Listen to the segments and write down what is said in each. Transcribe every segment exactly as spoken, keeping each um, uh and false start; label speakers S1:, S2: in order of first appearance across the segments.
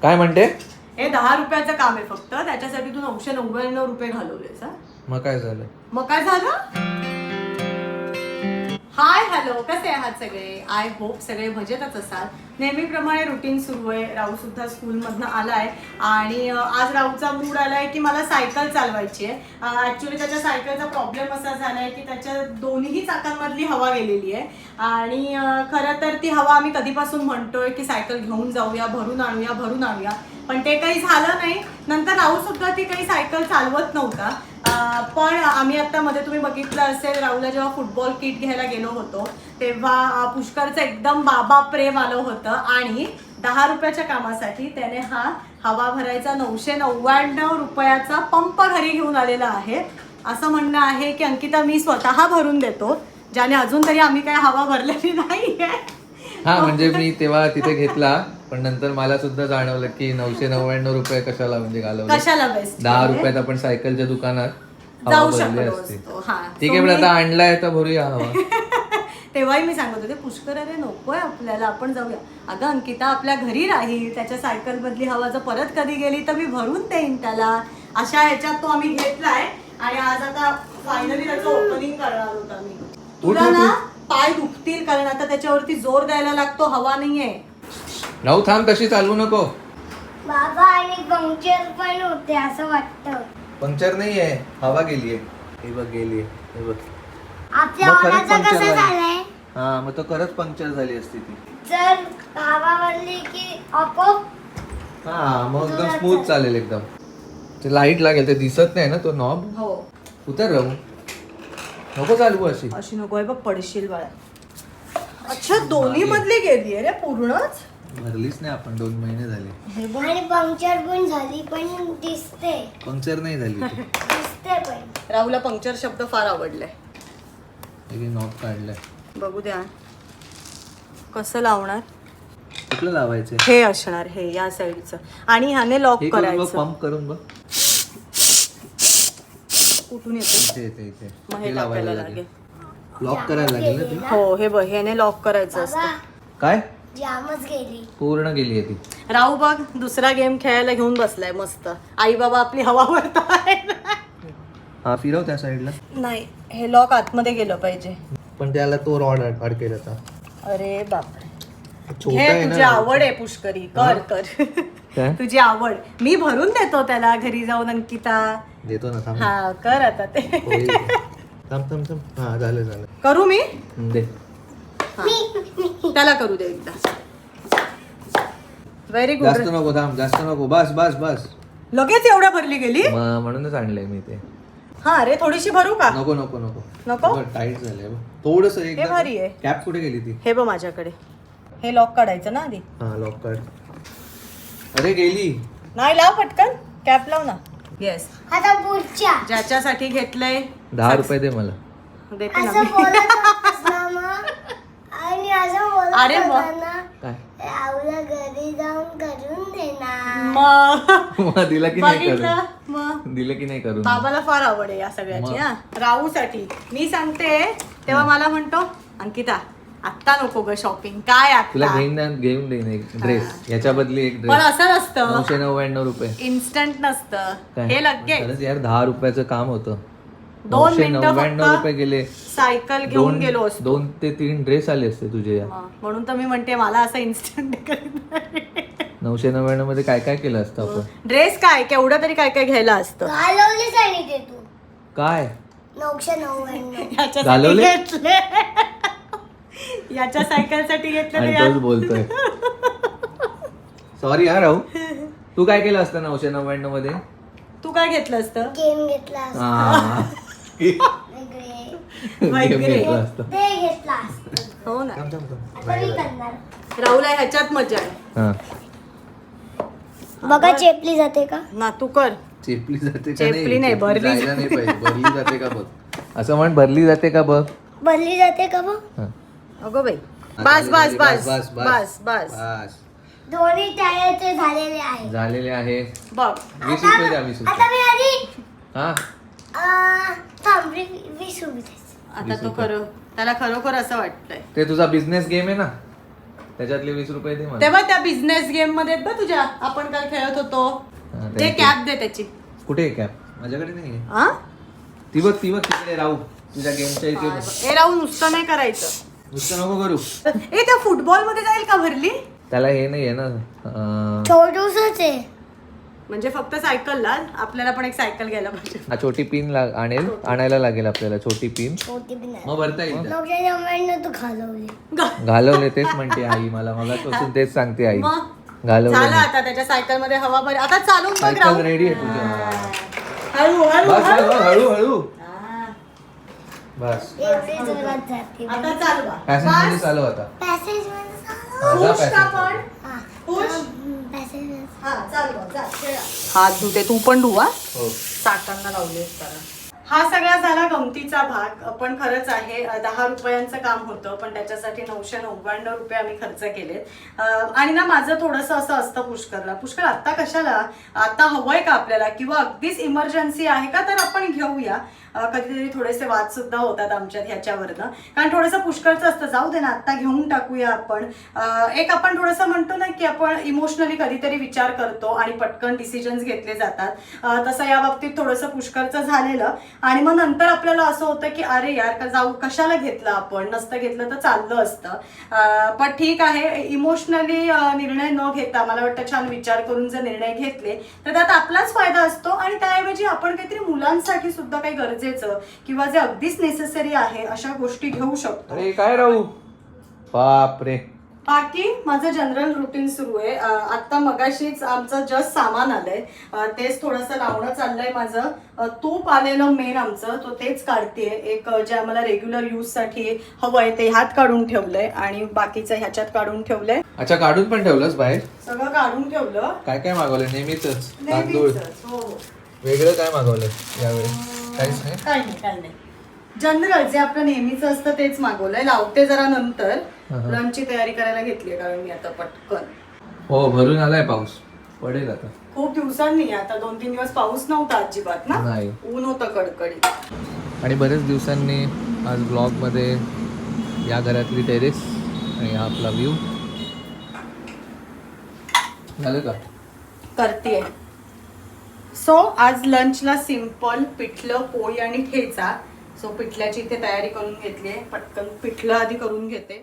S1: काय म्हणते?
S2: हे दहा रुपयाचं काम आहे फक्त, त्याच्यासाठी तू नऊशे नव्याण्णव रुपये घालवलेस.
S1: मग काय झालं?
S2: मग काय झालं? हाय हॅलो, कसे आहात सगळे? आय होप सगळे मजेतच असाल. नेहमीप्रमाणे रुटीन सुरू आहे. राहू सुद्धा स्कूलमधनं आलाय आणि आज राहूचा मूड आलाय की मला सायकल चालवायची आहे. ऍक्च्युली त्याच्या सायकलचा प्रॉब्लेम असा झालाय की त्याच्या दोन्ही चाकांमधली हवा गेलेली आहे आणि खरं तर ती हवा आम्ही कधीपासून म्हणतोय की सायकल घेऊन जाऊया, भरून आणूया भरून आणूया, पण ते काही झालं नाही. नंतर राहू सुद्धा ती काही सायकल चालवत नव्हता. पण आम्ही आता मध्ये तुम्ही बघितलं असेल, राहुलला जेव्हा फुटबॉल किट घ्यायला गेलो होतो तेव्हा पुष्करचं एकदम बाबा प्रेम आलं होतं आणि दहा रुपयाच्या कामासाठी त्याने हा हवा भरायचा नऊशे नव्याण्णव रुपयाचा पंप घरी घेऊन आलेला आहे. असं म्हणणं आहे की अंकिता मी स्वतः भरून देतो, ज्याने अजून तरी आम्ही काय हवा भरलेली नाहीये.
S1: हा म्हणजे मी तेव्हा तिथे घेतला, पण नंतर मला सुद्धा जाणवलं की नऊशे नव्याण्णव रुपये कशाला म्हणजे घालवले.
S2: कशाला बेस्ट,
S1: दहा रुपयात आपण सायकलच्या दुकानात
S2: जाऊ शकतो.
S1: ठीक आहे, पण आता आणलाय तर भरूया हवा.
S2: तेव्हाही मी सांगत होते पुष्कर अरे नकोय आपल्याला, आपण जाऊया. अगं अंकिता आपल्या घरी राहील, त्याच्या सायकल मधली हवा जर परत कधी गेली तर मी भरून देईन त्याला. अशा ह्याच्यात तो आम्ही घेतलाय आणि आज आता फायनली त्याचं ओपनिंग करणार होता मी. तुला ना पाय दुखतील कारण आता त्याच्यावरती जोर द्यायला लागतो, हवा नाहीये.
S1: राहू थांब, तशी चालवू नको
S3: बाबा. आणि पंक्चर पण होते असं वाटतं.
S1: पंक्चर नाहीये, हवा गेलीये. हे बघ गेलीये, हे बघ.
S3: आपल्या
S1: मग खरंच
S3: ओलाचं
S1: पंक्चर
S3: कसं
S1: झाली.
S3: झालंय?
S1: हा मग तो खरंच पंक्चर झाली असती ती.
S3: जर हवा भरली की आपोआप
S1: हा मग एकदम स्मूथ चालेल एकदम. ते लाईट लागेल, ते दिसत नाही ना तो नॉब.
S2: हो
S1: उतर राहू, नको चालवू अशी.
S2: अशी नको आहे बघ, पडशील बाळा. अच्छा दोन्ही मधली गेली रे पूर्णच.
S1: भरलीच नाही आपण, दोन महिने झाले.
S2: हे बघ
S3: आणि पंक्चर पण झाली, पण दिसते
S1: पंक्चर नाही झाली ती.
S3: दिसते पण.
S2: राहुलला पंक्चर शब्द फार आवडलाय.
S1: नॉब काढलाय.
S2: बघू द्या कसं लावणार.
S1: कुठलं लावायचं?
S2: हे असणार, हे या साईडचं आणि ह्याने लॉक करायचं.
S1: पंप करून बघ
S2: कुठून येतो.
S1: इथे इथे इथे
S2: मग हे
S1: हे
S2: टाकायला
S1: लावायला
S2: लागेल.
S1: लागेल. लॉक करायला लागेल ना ती.
S2: हो हे बघ, ह्याने लॉक करायचं
S3: बाबा
S2: असतं.
S1: काय
S3: जामच गेली.
S1: पूर्ण गेली ती.
S2: राहू बघ दुसरा गेम खेळायला घेऊन बसलाय मस्त. आई बाबा आपली हवा भरतायत.
S1: हा फिरव त्या साईडला.
S2: नाही हे लॉक आतमध्ये गेलं पाहिजे.
S1: पण त्याला तो रॉड अडकेल आता.
S2: अरे बापरे,
S1: छोटा
S2: हे
S1: आहे
S2: तुझी
S1: ना.
S2: आवड आहे पुष्करी, कर कर.
S1: काय?
S2: तुझी आवड मी भरून देतो त्याला घरी जाऊन. अंकिता
S1: देतो ना, थांब.
S2: हा कर आता ते.
S1: होईल. थांब थांब थांब. हा झालं झालं.
S2: करू मी,
S1: हम्म, दे.
S2: त्याला करू दे एकदा. व्हेरी
S1: जास्त
S2: गुड.
S1: नको, थांब जास्त नको. बस बस बस.
S2: लगेच एवढ्या भरली गेली.
S1: म- म्हणूनच आणलंय मी ते.
S2: हा अरे थोडीशी भरू का.
S1: नको नको नको
S2: नको?
S1: टाईट झालंय थोडस.
S2: हे भारी आहे.
S1: कॅप कुठे गेली ती?
S2: हे बघ माझ्याकडे. हे लॉक काढायचं ना आधी.
S1: हा लॉक काढ. अरे गेली.
S2: नाही लाव पटकन, कॅप लाव ना. येस,
S3: आता पुढच्या
S2: ज्याच्यासाठी घेतलंय
S1: दहा रुपये दे मला.
S2: देते ना
S3: असं
S2: मी.
S3: बोलत होतास ना मग. आणि असं बोलत
S2: अरे वा.
S3: होता ना,
S1: काय
S3: राहुला घरी जाऊन करून देणार.
S2: मग
S1: मग दिलं की नाही
S2: बघितलं
S1: करून?
S2: मग
S1: दिलं की नाही करून?
S2: बाबाला फार आवड आहे या सगळ्याची.
S1: मग?
S2: हा राहूसाठी मी सांगते तेव्हा मला म्हणतो अंकिता आत्ता नको ग शॉपिंग. काय
S1: तुला
S2: आता
S1: घेऊन देईन- घेऊन देईन एक ड्रेस. याच्या बदली एक
S2: पण
S1: ड्रेस.
S2: असं नसतं,
S1: नऊशे नव्याण्णव रुपये.
S2: इन्स्टंट नसतं
S1: काय?
S2: हे. लगेच
S1: खरंच यार दहा रुपयाचं काम होतं.
S2: दोन
S1: नऊशे
S2: मिनिटं
S1: नव्याण्णव
S2: फक्त
S1: रुपये गेले.
S2: सायकल घेऊन
S1: दोन
S2: गेलो असतो.
S1: दोन ते तीन ड्रेस आले असते तुझे यार.
S2: मग म्हणून तर मी म्हणते मला असं इन्स्टंट
S1: नऊशे नव्याण्णव मध्ये काय काय केलं असतं आपण?
S2: ड्रेस काय केवढं तरी काय काय घ्यायला असतं.
S3: घालवलीच आणि ते तू
S1: काय
S3: नऊशे नव्याण्णव.
S2: याच्यासाठी
S1: घालवले?
S2: घेतले. याच्या सायकलसाठी घेतले
S1: आणि तोच बोलतोय. सॉरी यार राहू. तू काय केलं असतं नऊशे नव्याण्णव मध्ये?
S2: तू काय घेतलं असतं.
S3: गेम घेतला असता.
S1: हा.
S3: वेगळे.
S1: गेम घेतलं असतं.
S3: ते घेतला असता.
S2: हो ना.
S1: थांब, थांब, थांब.
S3: आता मी करणार.
S2: राहुला ह्याच्यात मजा आहे
S1: हा.
S3: बघा चेपली जाते का.
S2: ना. तू कर.
S1: चेपली जाते का?
S2: चेपली नाही, भरली
S1: जायला नाही पाहिजे. भरली जाते का बघ. असं म्हण, भरली जाते का बघ.
S3: भरली जाते का बघ.
S1: हा.
S2: अगो बाई
S1: आता
S2: बस बस
S1: झाली,
S2: बस
S1: बस
S2: बस बस
S1: बस.
S3: दोन्ही टायरचे झालेले आहे.
S1: झालेले आहे.
S2: बघ.
S1: वीस रुपये द्या. वीस
S3: आता
S1: रुपये.
S3: मी आधी
S1: हा
S3: अं, थांब वी- वीस रुपये द्यायचे.
S2: आता तो खरं त्याला खरोखर असं वाटतंय.
S1: ते तुझा बिझनेस गेम आहे ना. त्याच्यातले वीस रुपये दे मला.
S2: तेव्हा त्या बिझनेस गेम मध्ये आहेत बघ तुझ्या, आपण काल खेळत होतो
S1: हा,
S2: ते
S1: thank you.
S2: कॅप दे त्याची.
S1: कुठे आहे कॅप? माझ्याकडे नाही आहे.
S2: हा
S1: ती बघ ती बघ तिकडे राहू तुझ्या गेमच्या इथे बघ.
S2: हे राहून नुसतं नाही करायचं.
S1: नुसतं नको करू.
S2: ए त्या फुटबॉल मध्ये जाईल का भरली?
S1: त्याला हे नाही आहे ना अं,
S3: छोटूसच आहे.
S2: म्हणजे फक्त सायकलला. आपल्याला पण एक सायकल घ्यायला पाहिजे.
S1: हा छोटी पिन लाग- आणेल आणायला लागेल आपल्याला छोटी पिन.
S3: छोटी पण आहे.
S1: मग भरता येईल त्यात.
S3: नऊशे नव्याण्णव तू घालवली.
S2: ग-
S1: घालवले तेच म्हणते आई मला मगापासून तेच सांगते आई.
S2: मग
S1: घालवले
S2: झालं
S1: नाही.
S2: आता त्याच्या सायकल मध्ये हवा भर. आता चालून बघ
S1: सायकल
S2: राहू.
S1: रेडी आहे तुझी.
S2: हळू हळू
S1: बस बस
S2: हळू.
S1: बस, हळू हळू
S2: हा.
S1: बस.
S3: एवढी जोरात जाते.
S2: आता चालू बा.
S1: पॅसेंज मध्ये
S2: बस.
S1: चालू आता.
S3: पॅसेज मध्ये चालव.
S1: हा, जा
S2: पुश का
S1: passage
S2: पण?
S1: मध्ये.
S3: हा.
S2: पुश.
S3: पॅसेज मध्ये.
S2: हा चालू बा, जा, खेळा. हात धुते तू पण धुवा.
S1: हो.
S2: चाकांना लावलेस कारण हा सगळा झाला गमतीचा भाग. पण खरंच आहे अ, दहा रुपयांचं काम होतं पण त्याच्यासाठी नऊशे नव्याण्णव रुपये आम्ही खर्च केले. आणि ना माझं थोडंसं असं असतं पुष्करला, पुष्कर आत्ता कशाला, आता हवंय का आपल्याला किंवा अगदीच इमर्जन्सी आहे का तर आपण घेऊया. अ, कधीतरी थोडेसे वाद सुद्धा होतात आमच्यात ह्याच्यावरनं, कारण थोडंसं पुष्कळचं असतं जाऊ दे ना आत्ता घेऊन टाकूया आपण. अ, एक आपण थोडंसं म्हणतो ना की आपण इमोशनली कधीतरी विचार करतो आणि पटकन डिसिजन्स घेतले जातात. अ, तसं या बाबतीत थोडंसं पुष्कळचं झालेलं आणि मग नंतर आपल्याला असं होतं की अरे यार का जाऊ कशाला घेतलं, आपण नसतं घेतलं तर चाललं असतं. अ, पण ठीक आहे, इमोशनली निर्णय न घेता मला वाटतं छान विचार करून जर निर्णय घेतले तर त्यात आपलाच फायदा असतो आणि त्याऐवजी आपण काहीतरी मुलांसाठी सुद्धा काही गरजेचं किंवा जे अगदीच नेसेसरी आहे अशा गोष्टी घेऊ शकतो.
S1: अरे काय राहू बाप रे.
S2: बाकी माझं जनरल रुटीन सुरू आहे. अं, आता मगाशीच आमचं जस्ट सामान आलंय, अं, तेच थोडंसं लावणं चाललंय माझं. अं, तूप आलेलं मेन आमचं तो तेच काढतेय. एक अं, जे आम्हाला रेग्युलर यूज साठी हवंय ते ह्यात काढून ठेवलंय आणि बाकीचं ह्याच्यात काढून ठेवलंय.
S1: अच्छा काढून पण ठेवलंस बाहेर?
S2: सगळं काढून ठेवलं.
S1: काय काय मागवलं? नेहमीच तांदूळ.
S2: नेहमीच. हो हो.
S1: वेगळं काय मागवलं यावेळी? काहीच नाही.
S2: काही नाही काही नाही, जनरल जे आपलं नेहमीच असतं तेच मागवलंय. लावते जरा नंतर. लंचची तयारी करायला घेतली कारण मी आता पटकन.
S1: हो भरून आलाय पाऊस, पडेल आता.
S2: खूप दिवसांनी, आता दोन तीन दिवस पाऊस नव्हता अजिबात ना,
S1: नाही.
S2: ऊन होतं कडकडीत.
S1: आणि बरेच दिवसांनी आज ब्लॉगमध्ये या घरातली टेरेस आणि हा आपला व्ह्यू. झालं का?
S2: करतेय. सो आज लंचला सिंपल पिठलं, पोळी आणि ठेचा. सो पिठल्याची इथे तयारी करून घेतली आहे. पटकन पिठलं आधी करून घेते.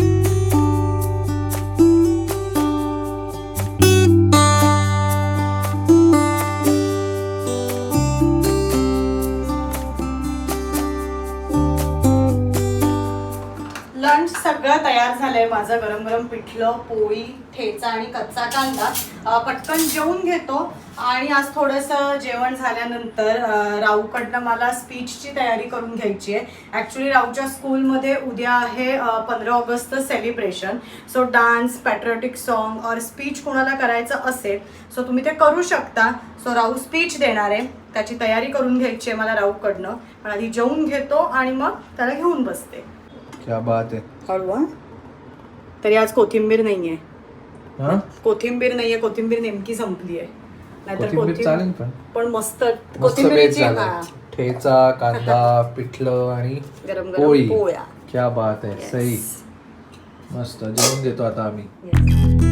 S2: लंच सगळं तयार झालंय माझं. गरम गरम पिठलं, पोळी, ठेचा आणि कच्चा कांदा. अं, पटकन जेवून घेतो आणि आज थोडंसं जेवण झाल्यानंतर अं, राऊकडनं मला स्पीचची तयारी करून घ्यायची आहे. ॲक्च्युली राऊच्या स्कूलमध्ये उद्या आहे पंधरा August celebration. So dance, patriotic song और स्पीच कोणाला करायचं असेल सो तुम्ही ते करू शकता. सो राऊ स्पीच देणार आहे, त्याची तयारी करून घ्यायची आहे मला राऊकडनं. पण आधी जेवून घेतो आणि मग त्याला घेऊन बसते.
S1: क्या बात आहे.
S2: हळू हा. तरी आज कोथिंबीर नाहीये.
S1: हा?
S2: कोथिंबीर नाहीये, कोथिंबीर नेमकी संपली आहे. नाहीतर
S1: कोथिंबीर चालेल पण.
S2: पण मस्त
S1: मस्त बेत
S2: कोथिंबीरची
S1: झालाय.
S2: हा.
S1: ठेचा, कांदा, पिठलं आणि
S2: गरम गरम
S1: पोळी.
S2: पोळ्या.
S1: क्या बात आहे.
S2: Yes.
S1: सही. मस्त जेवून घेतो आता आम्ही.
S2: Yes.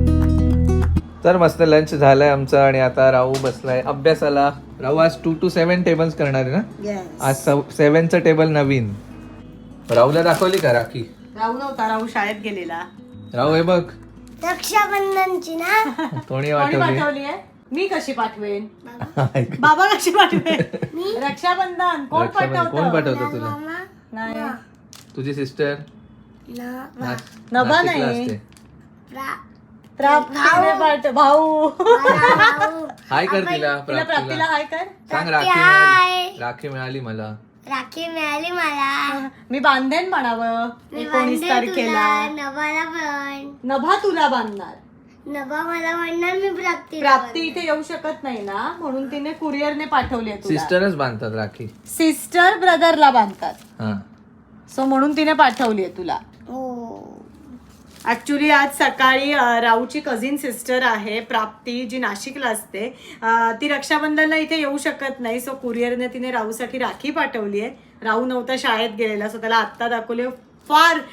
S1: तर मस्त लंच झालंय आमचं आणि आता राहू बसलाय अभ्यासाला. राहू आज टू टू सेव्हन टेबल्स करणार आहे ना?
S2: Yes.
S1: आज सेव्हनचं टेबल नवीन. राहूला दाखवली का राखी?
S2: राहू नव्हता, राहू शाळेत गेलेला.
S1: राहू हे बघ
S3: रक्षाबंधनची ना.
S1: कोणी
S2: कोणी
S1: वाटवली?
S2: पाठवली आहे? मी कशी पाठवेन? बाबा कशी पाठवेन? रक्षाबंधन कोण
S1: रक्षाबंधन कोण
S2: पाठवतं?
S1: पाठवतं तुला?
S3: मामा
S2: नाही,
S1: तुझी सिस्टर?
S3: ना
S2: नभा नाही.
S3: प्रा-
S2: प्राप्तीने पाठव. भाऊ
S3: भाऊ.
S1: हाय कर तिला
S2: तिला प्राप्तीला
S1: प्राप्तीला.
S2: हाय कर.
S1: सांग
S3: प्राप्ती,
S1: राखी
S3: हाय.
S1: मिळाली. राखी मिळाली मला.
S3: राखी मिळाली मला.
S2: मी बांधेन म्हणावं
S3: मी
S2: एकोणीस
S3: बांधेन
S2: तारखेला.
S3: तुला, नभाला पण.
S2: नभा तुला बांधणार.
S3: नभा मला म्हणणार, मी प्राप्ती
S2: प्राप्ती इथे येऊ शकत नाही ना, म्हणून तिने कुरिअरने पाठवली आहे तुला.
S1: सिस्टरच बांधतात राखी.
S2: सिस्टर ब्रदरला बांधतात.
S1: हा.
S2: सो म्हणून तिने पाठवली आहे तुला.
S3: हो.
S2: ऍक्च्युली आज सकाळी अ, राऊची कझिन सिस्टर आहे प्राप्ती, जी नाशिकला असते. अ, ती रक्षाबंधनला इथे येऊ शकत नाही. सो कुरिअरने तिने राऊसाठी राखी पाठवली आहे. राऊ नव्हता, शाळेत गेलेला. सो त्याला आत्ता दाखवले. फार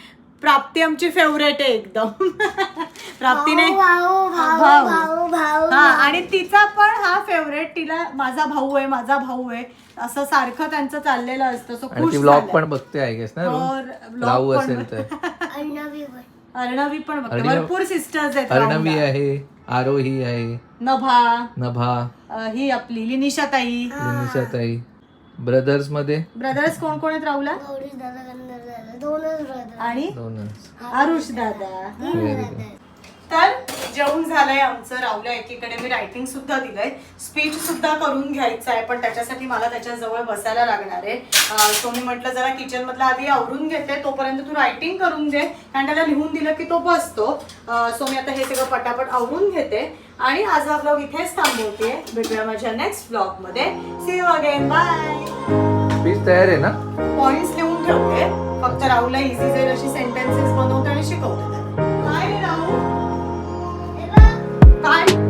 S2: प्राप्ती आमची फेवरेट आहे एकदम. प्राप्तीने
S3: भाऊ भाऊ
S2: भाऊ.
S3: भाऊ भाऊ
S2: हा आणि तिचा पण हा फेवरेट. तिला माझा भाऊ आहे माझा भाऊ आहे असं सारखं त्यांचं चाललेलं असतं. सो
S1: आणि
S2: खुश
S1: ती व्लॉग
S2: झालंय.
S1: पण बघते आय गेस ना
S2: हो,
S1: रोज?
S2: vlog
S1: राहू
S2: पण
S1: असेल तर
S3: अर्णवी पण.
S2: अर्णवी पण बघते.
S1: अर्णवी-
S2: भरपूर सिस्टर्स आहेत
S1: अर्णवी
S2: राहुलला.
S1: आहे, आरोही आहे,
S2: नभा
S1: नभा,
S2: अं, ही आपली लिनिशाताई.
S1: लिनिशाताई. ब्रदर्स मध्ये
S2: ब्रदर्स कोण कोण आहेत राहुलला?
S3: गौरी दादा गंधर दादा दोनच ब्रदर.
S2: आणि
S1: दोनच.
S2: आरुष दादा.
S1: Very good.
S2: तर जेवण झालंय आमचं. राहुल्या एकीकडे मी रायटिंग सुद्धा दिलंय, स्पीच सुद्धा करून घ्यायचं आहे, पण त्याच्यासाठी मला त्याच्या जवळ बसायला लागणार आहे. सो मी म्हटलं जरा किचन मधलं आधी आवरून घेते, तोपर्यंत तू रायटिंग करून घे, कारण त्याला लिहून दिलं की तो बसतो. सो मी आता हे सगळं पटापट आवरून घेते आणि आज हा ब्लॉग इथेच थांबवते. भेटूया माझ्या नेक्स्ट ब्लॉग मध्ये. See you again, bye.
S1: Speech तयार आहे ना?
S2: पॉइंट्स लिहून ठेवते, फक्त राहुलला इझी जाईल अशी सेंटेन्सेस बनवते आणि शिकवते. काय रे राहुल? काय